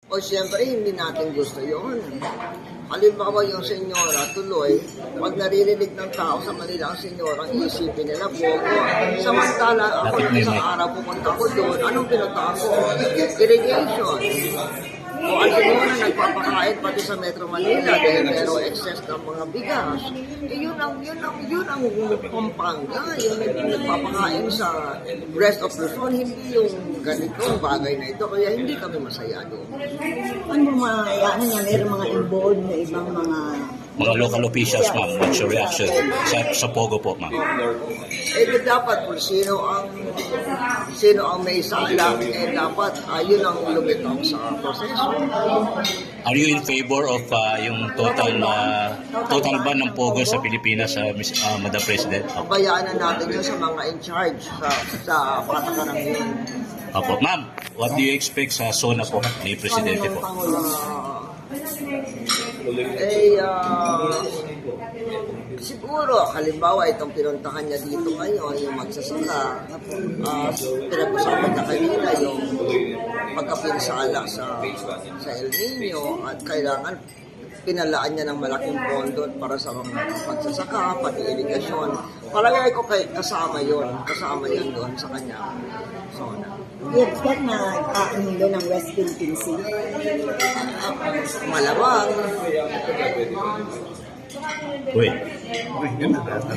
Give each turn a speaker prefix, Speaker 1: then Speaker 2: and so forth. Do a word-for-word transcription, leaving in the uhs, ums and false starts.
Speaker 1: O siyempre, hindi natin gusto yun. Halimbawa yung senyora, tuloy, pag naririnig ng tao sa Manila ang senyora, ang isipin nila, Pogo. Samantala, ako isang araw pupunta ko doon, anong pinunta ko? Irrigation. O ang senyora nagpapakain pati sa Metro Manila dahil merong excess ng mga bigas. Eh, yun ang, yun ang, yun ang Pampanga, yun ang nagpapakain sa rest of Luzon, hindi yung ganitong bagay na ito, kaya hindi kami masaya doon.
Speaker 2: Ano mga, ano nga, mayroong mga involved na ibang mga...
Speaker 3: Mga local officials, ma'am, what's your reaction sa, sa Pogo po, ma'am?
Speaker 1: Eh, di dapat kung sino ang sino ang may sala, eh dapat uh, yun ang lumitaw sa proseso.
Speaker 3: Are you in favor of uh, yung total uh, total ban ng Pogo sa Pilipinas, uh, Miss uh, Madam President? Opo.
Speaker 1: Bayaan na natin yun sa mga in charge sa, sa patakaran yun.
Speaker 3: Opo. Ma'am, what do you expect sa SONA po ni Presidente po?
Speaker 1: Uh, eh, uh, siguro, halimbawa, itong pinuntahan niya dito ngayon, yung magsasaka, uh, pinag-usapan niya kanina yung pagkapinsala sa, sa El Nino at kailangan pinalaan niya ng malaking pondo para sa mga pagsasaka, pati irigasyon. Palagay ko kay, kasama yun, kasama yun doon sa kanya. So,
Speaker 2: You expect na aano doon ng West Philippine Sea?
Speaker 1: malamang.
Speaker 3: Wait.